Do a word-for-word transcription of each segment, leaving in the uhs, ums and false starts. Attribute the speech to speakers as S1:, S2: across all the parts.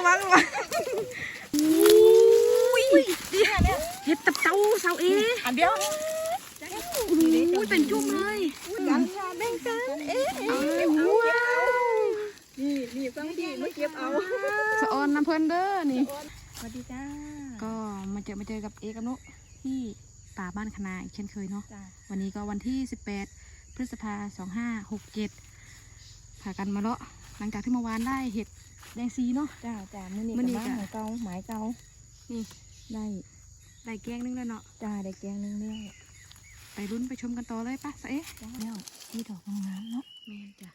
S1: วังระวังอุ้ยดิเห็ดตับเต้าเสาเออันเดียวอุ้ยเป็นจุ่มเลยกันค่ะแบ่งกันเอ๊ะว้าวนี่นี่ฟังพี่มาเก็บเอาสะออนน้ำเพลินเด้อนี่สวัสดีจ้าก็มาเจอมาเจอกับเอกับนุที่ป่าบ้านคณาอีกเช่นเคยเนาะวันนี้ก็วันที่สิบแปดพฤษภาสองห้าหกเจ็ดพากันมาเลาะหลังจากที่เมื่อวานได้เห็ดแดงซีเนาะจ้าจ้ามื่อนี้กับบ้านหมายเกาหมายเกานี่ได้ได้แกงนึงแล้วเนาะจ้าได้แกงนึงแล้วไปรุ่นไปชมกันต่อเลยป่ะเอ๊ะแล้วที่ดอกงามเนาะแม่จ้ะ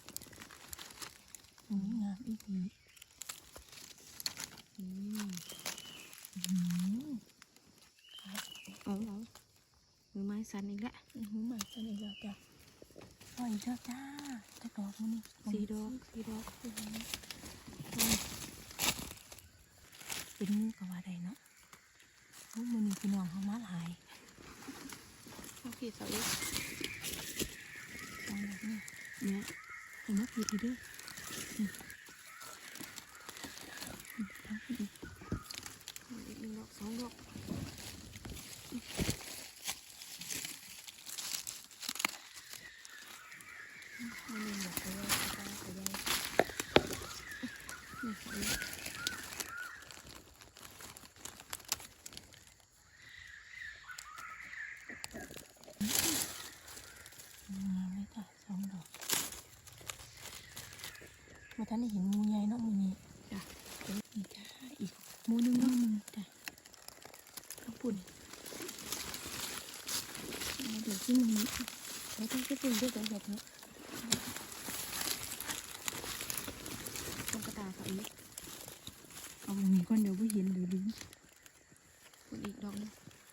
S1: งามอีกทีอืมเอาเอามือไม้สั่นอีกแล้วมือไม้สั่นอีกแล้วจ้ะปล่อยเถอะจ้าจะดอกมันนี่สีดอกสีดอกเป็นมือกับว่าใดเนาะมันนี่พี่น้องเขามาหลายโอเคสวยสองดอกนี่เนี่ยเห็นไหมผิดทีด้วยอีกหนึ่งดอกสองดอกมันหนึ่งดอกไปเลยไปเลยไปเลยนี่สวยไม่ได้สองดอกมาท่านได้เห็นมูใหญ่เนาะมูนี้จ้ะนี่จ้าอีกมูนึงเนาะจ้ะข้าวปุ่นเดี๋ยวที่มูนี้เราต้องข้าวปุ่นด้วยกันแบบนี้ต้องกระตาเขาอีกเอามูนี้ก่อนเดี๋ยวไม่เห็นหรือลืมปุ่นอีกดอกนึง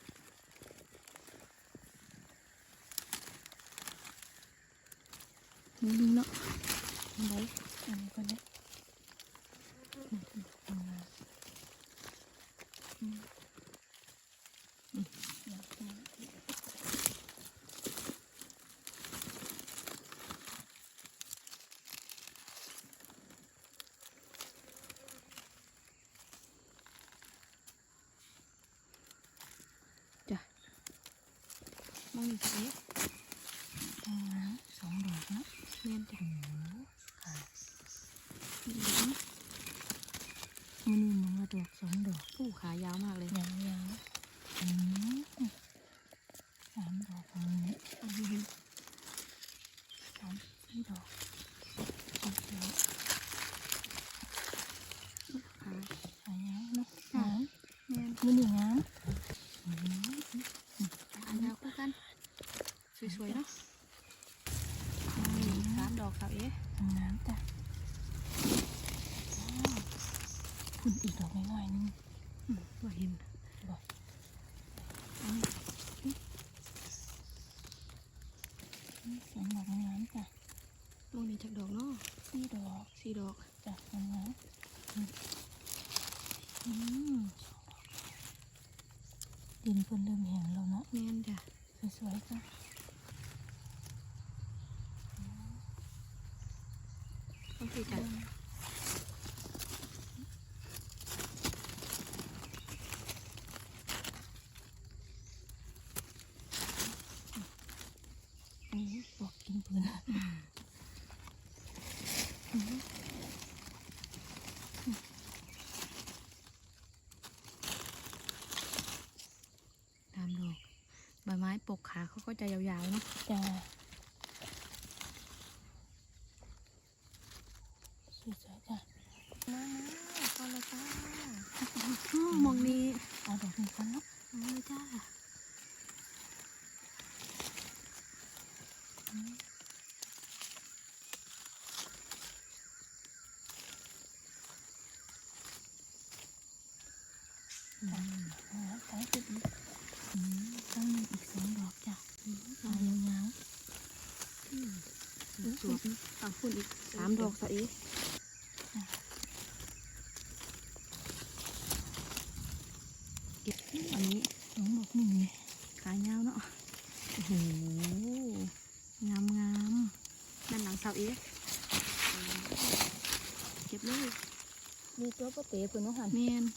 S1: มูนึงเนาะทำไรอันนี้ก่อนนะจ้ะมองอีกทีสองดอกนะเนียนจ้ะค่ะมันนี่มันมาดอกสองดอกผู้ขายาวมากเลยยาวยาวอืมสามดอกตรงนี้สามสี่ดอกโอเคขายขายยาวเนาะงามเนียนมันนี่งามขายยาวคู่กันสวยๆเนาะสามดอกสาวเอ๊ะงามจ้ะคุณอีกดอกน้อยๆนึงว่าเห็นบอกสองดอกงามจ้ะมองนี่จากดอกเนาะสี่ดอกสี่ดอกจ้ะงามอืมดินเพิ่นเริ่มแห้งแล้วเนาะแม่นจ้ะสวยๆจ้ะโอเคจ้ะบอกกินเพื่อนตามดอกใบไม้ปกขาเขาก็จะยาวๆเนาะจ้าสวยๆจ้ะมามาพอแล้วจ้ามองนี้เอาดอกนี้กันเนาะเอาเลยจ้าใช้ติดอีกตั้งอีกสองดอกจ้ะเอายาวๆสวยๆเอาคุณอีกสามดอกสักอีกอันนี้สองดอกนี่ขายาวเนาะโอ้โหงามงามด้านหลังสาวอีกเก็บเลยมีตัวปะเต๋เพิ่นว่าหันแมน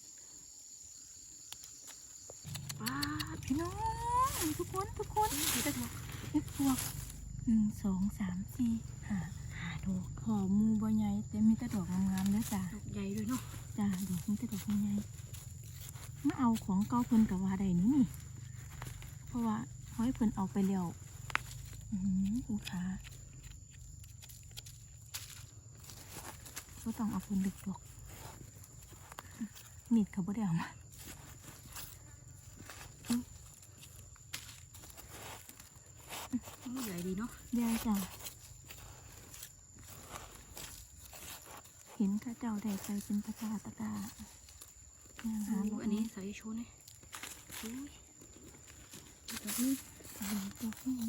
S1: ว้าพี่น้องทุกคนทุกคนมีแต่ดอกเอ็กพวกหนึ่งสองสามสี่ห้าห้าดอกหอมมูใบใหญ่แต่มีแต่ดอกงามๆเด้อจ้าดอกใหญ่ด้วยเนาะจ้าดอกมีแต่ดอกใหญ่มาเอาของเก่าเพิ่นกับว่าใดนี้นี่เพราะว่าห้อยเพิ่นเอาไปแล้วอือลูกค้าก็ต้องเอาเพิ่นดึกดอกมีดเขาบ่ได้เอามาใหญ่ดีเนาะใหญ่จ้ะเห็นข้าเจ้าได้ใส่เป็นตะกร้าตะกร้าอันนี้ใส่ชูนี่ดอกนี้ดอกนี้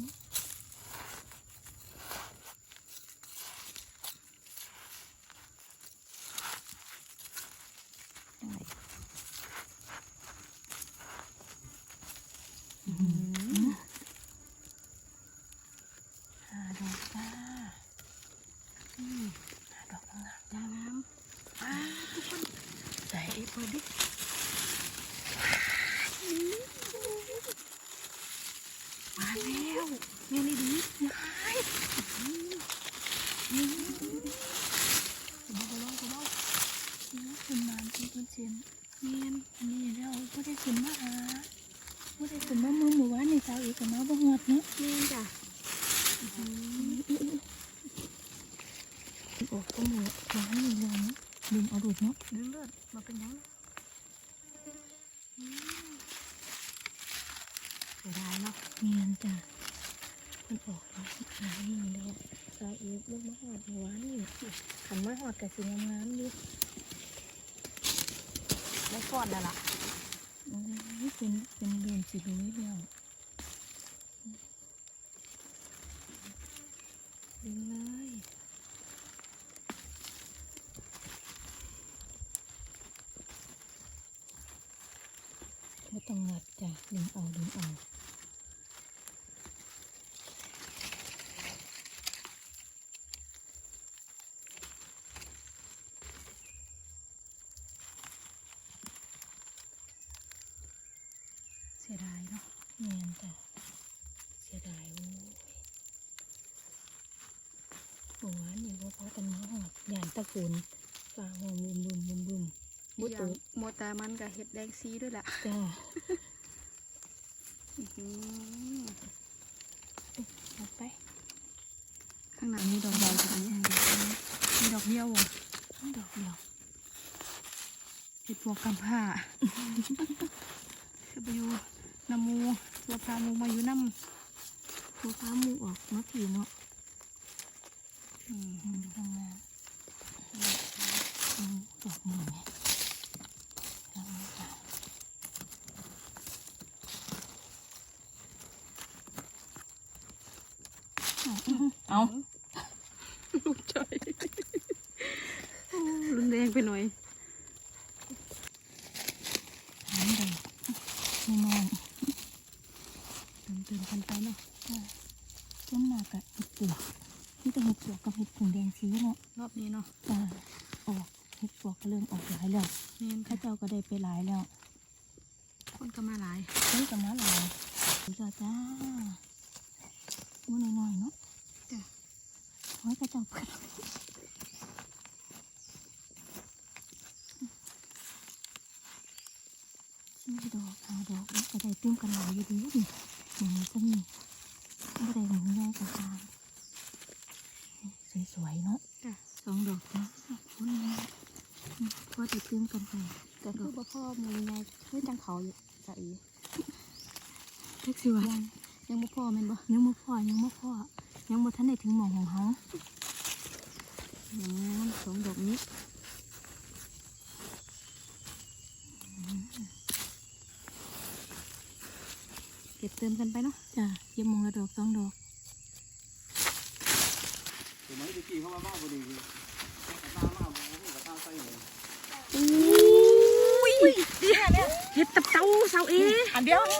S1: หาดอกจ้าหาดอกงามจ้างามอ้าทุกคนใส่เปิดดิมาแล้วแม่นี่ดียายนี่เบาเบาเบานี่ขึ้นมาเป็นต้นเชียนเมียนนี่เราก็ได้ขึ้นมาหาก็ได้ขึ้นมาเมื่อเมื่อวานในเช้าอีกกับมาบ่หวดเนาะเมียนจ้ะโอ้ก็หมดร้านอยู่เลยดึงเอาดูดเนาะดึงเลือดมาเป็นยังเสียดายเนาะเมียนจ้ะมันออกแล้วหานี่แล้วสาวอีฟลูกมะฮอดหัวนี่ขันมะฮอดกับสีงามๆดิได้ฟอดแล้วล่ะเป็นเป็นเรือนสีรุ้ยแล้วดึงเลยไม่ต้องงัดจ้ะดึงเอาดึงเอาเสียดายเนาะเนียนจ้ะเสียดายโอ้ยหัวนี่ว่าเพราะกันมาหอดหยานตะกุนฟางหัวบุมบุมบุมบุมมุดตัวโมตามันกับเห็ดแดงซีด้วยแหละจ้าเอาไปข้างหน้ามีดอกใหญ่ตรงนี้มีดอกเดียวอ่ะดอกเดียวเห็ดพวกกำผ้าคือไปอยู่น้ำมูตัวพามูมาอยู่น้ำตัวพามูออกมาผีเนาะอืมทำงานดอกหนึ่งเอาลูกใจรุนแรงไปหน่อยหางดอกไม่มองเติมเติมกันไปเนาะต้นมากกับเห็ดปวกนี่จะเห็ดปวกกับเห็ดผงแดงสีเนาะรอบนี้เนาะอ่าออกเห็ดปวกก็เริ่มออกหลายแล้วข้าเจ้าก็ได้ไปหลายแล้วคนก็มาหลายเฮ้ยก็มาหลายดูจ้าจ้ามูน้อยๆเนาะจ้ะไว้ข้าเจ้าเปิดชี้ดอกหาดอกก็ได้เติมกันหลายอยู่ดีดิอย่างนี้ก็มีก็ได้หมูย่อยกระซางสวยๆเนาะจ้ะสองดอกนะคนนี้พอจะเติมกันไปแต่คือพ่อหมูย่อยเพื่อจังเขาอยู่ใส่เล็กสิวะยังไม่พ่อแม่นบ่ยังไม่พ่อยังไม่พ่อยังไม่ทันได้ถึงหมองของเขาสองดอกนี้เก็บเติมกันไปเนาะจ้ะเก็บมองละดอกสองดอกสมัยตะกี้เขามาบ้าพอดีเลยตามาผมก็ตาใส่เลยอุ้ยเห็ดตับเต้าเสาเออันเดียว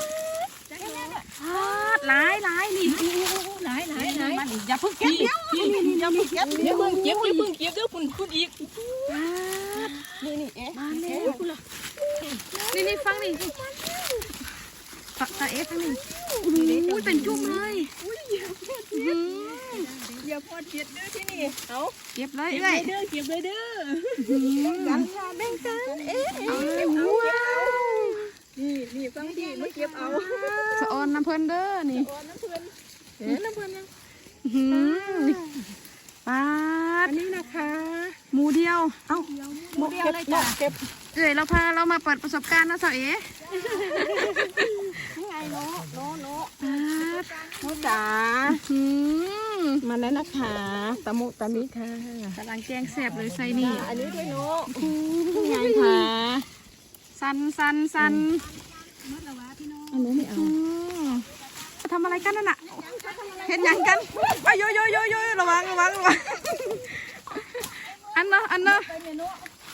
S1: หลายหลายนี่หลายหลายหลายอย่าเพิ่งเก็บเดี๋ยวอย่าเพิ่งเก็บเดี๋ยวเพิ่งเก็บเดี๋ยวเพิ่งเก็บเดี๋ยวคุณคุณอีกนี่นี่เอ๊ะ
S2: มาแล้วนี่นี่ฟังนี่ฟังตาเอ๊ะฟังนี่อุ้ยเป็นจุ่มเลยอื้อหือ
S1: อย่าพอดเก็บเด้อที่นี่เอา
S2: เก็บเลย
S1: เก็บ
S2: เอ้
S1: เลย ยเด้อเก็บเลยเด้อ
S2: อื้อหือ
S1: กันค่ะแบ่งกันเอ๊ะ
S2: เอาเลยว้าว
S1: นี่นี่ฟังพี่มาเก็บเอา
S2: สะออนน้ำเพลินเด้อนี่
S1: โอ้น้ำเพื่อนเอ๊ะน้ำเพื่อนยัง
S2: อื้อหือปา
S1: อั
S2: ด
S1: นนี้นะคะ
S2: หมูเดียวเอ้า
S1: หมดเดียวเลยจ้ะเก็บ
S2: เอ้ยเราพาเรามาเปิดประสบการณ์นะสาวเอ๋
S1: ยังไงโนโนโน
S2: ปาด
S1: โนจ๋า
S2: อื้อ
S1: มาแล้วนะคะตะมุตะมิค่ะ
S2: กำลังแกงแสบเลยไซนี่
S1: อันนี้ด้วยโน
S2: ยังไง
S1: ค่ะ
S2: สันสันสัน
S1: อันนี้ไม่เอา
S2: อืมทำอะไรกันนั่นน่ะเห็นยังกันไปโยโยโยโยระวังระวังระวังอันเนาะอันเนาะ
S1: ไปเมนู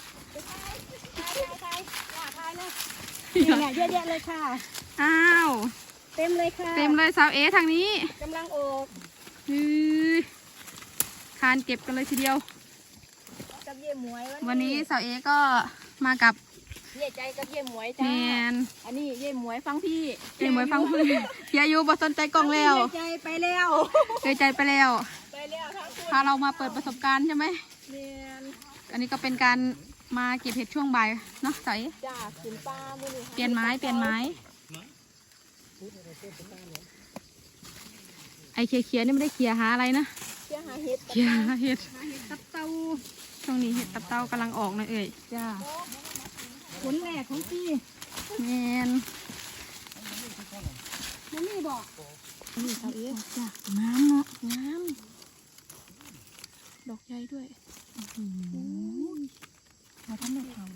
S1: ไปไปไปเนี่ยเยอะแยะเลยค่ะ
S2: อ้าว
S1: เต็มเลยค่ะ
S2: เต็มเลยสาวเอทางนี้
S1: กำลังโอบ
S2: ฮือคานเก็บกันเลยทีเดียว
S1: กับเยี่ยมหมวย
S2: วันนี้สาวเอก็มากับ
S1: เยี่ยใจกับเยี่ยมหมวย
S2: แม
S1: จ้าน อันนี้เยี่ยมหมวยฟังพี่
S2: เอ้ยหมวยฟังเพื่อนเฮียยูบอสนใจกล้องแล้ว
S1: เยี่ยใจไปแล้ว
S2: เกยใจไปแล้ว
S1: ไปแล้วทั้งคืน
S2: พาเรามาเปิดประสบการณ์ใช่ไหม
S1: เรียน
S2: อันนี้ก็เป็นการมาเก็บเห็ดช่วงบ่ายเนาะสาวเอ
S1: จ้าขึ้นปลาบุรี
S2: เปลี่ยนไม้เปลี่ยนไม้ไอเคลียร์ๆนี่ไม่ได้เคลียร์หาอะไรนะ
S1: เจ้าหาเห็ด
S2: เคลียร์หาเห็ดตับเต้าช่วงนี้เห็ดตับเต้ากำลังออกนะเอ่ย
S1: จ้าผลแรกของพี่
S2: แมน
S1: มันมีบอกนี่เอาเอง
S2: จ้ะน้ำเนาะ
S1: น้
S2: ดอกใหญ่ด้วย
S1: ำมาทำให้เขา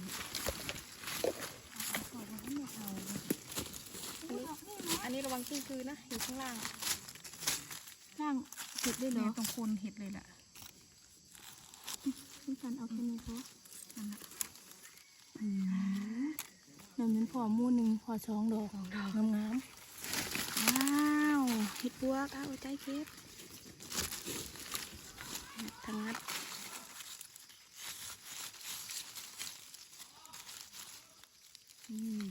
S1: อันนี้ระวังกิ้งคือนะอยู่ข้างล่าง
S2: ข้างเห็ดด้วยเหรอตรงโคนเห็ดเลยแหละ
S1: พี่กันเอาแค่นี้เขา
S2: นั่นแหละ
S1: หนึ่งเป็นพอมูหนึ่งพอสองดอกงามงาม
S2: ว้าวเห็ดบวกเอาใจเก็บทางนัดอืม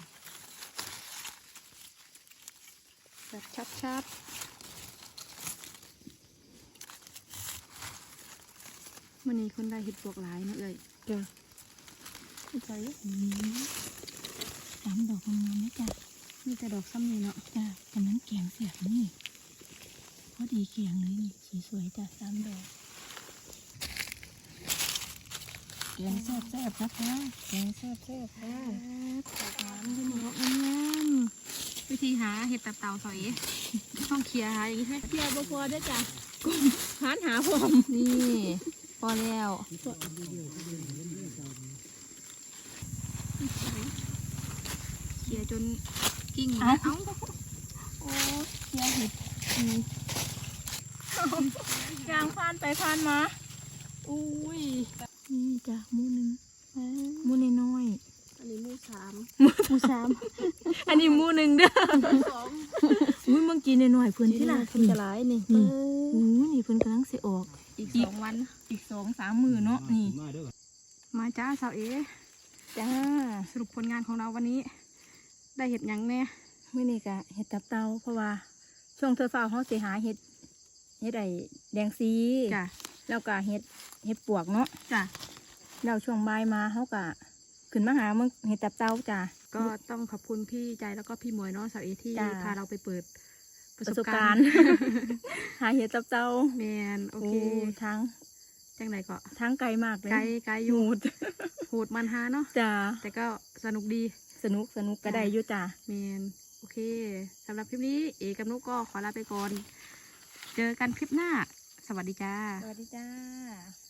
S2: แบบชัดๆวันนี้คนได้เห็ดบวกหลายนะเอ่ย
S1: ๆจ้ะใส่สามดอกงามๆนะจ้ะ
S2: มีแต่ดอกซ้ำนี่เนาะ
S1: จ้ะกำลังแกงเสียบนี่พอดีเกียงเลยนี่สีสวยจ้ะสามดอกแกงแซ่บๆนะคะแกงแซ่บๆค่ะ
S2: ดอกน้ำด้วยเนาะงามวิธีหาเห็ดตับเต่าสอยต้องเคลียร์หาอย่างนี้ใช่ไหม
S1: เที่ยวบ่พอได้อจ้ะกุ้งหานหาพร้อม
S2: นี่พอแล้วเคลียร์จนกิ่งหมดแล้วเอ้า
S1: โอ้เที่ยวเห็ดยางผ่านไปผ่านมาอุ้ยนี่จ้ะหมูหนึ่งหมูน้อย
S2: อันนี้มูสาม
S1: ๆหมูสามอันนี้หมูหนึ่งเด้ออุ้ยเมื่อกี้หน่อยๆเพื่อนที่ละ
S2: เพิ่นจะร้ายนี่
S1: นี่อู้นี่เพื่อนกำลังสิออก
S2: อีกสองวัน
S1: อีกสองสามมือเนาะนี่
S2: มาจ้าสาวเอ
S1: จ้า
S2: สรุปผลงานของเราวันนี้ ได้เห็ดหยังแน่
S1: เมื่อนี้กะเห็ดตับเตาเพราะว่าช่วงเธอฟ้าเขาสิหาเห็ดเห็ดไอแดงซี
S2: จ้ะ
S1: แล้วก็เห็ดเห็ดปวกเนาะ
S2: จ้ะ
S1: แล้วช่วงบ่ายมาเขากะขึ้นมาหาเมื่อเห็ดตับเตาจ้ะ
S2: ก็ต้องขอบคุณพี่ใจแล้วก็พี่หมวยเนาะสาวเอที่
S1: จ้ะ
S2: พาเราไปเปิดประ
S1: ประ
S2: ส
S1: ส
S2: บบ การ
S1: การ
S2: ณ์
S1: ณ์ หาเห็ดตับเตา
S2: แมนโอ
S1: โอ้
S2: เค
S1: ทาง
S2: จังไหนก็
S1: ทางไกลมากเลย
S2: ไกลไกลอยู่
S1: หูด
S2: โหดมันฮาเนาะ
S1: จ้า
S2: แต่ก็สนุกดี
S1: สนุกสนุกก็ได้อยู่จ้า
S2: แมนโอเคสำหรับคลิปนี้เอกับนุกก็ขอลาไปก่อน เจอกันคลิปหน้า สวัสดีจ้า
S1: สวัสดีจ้า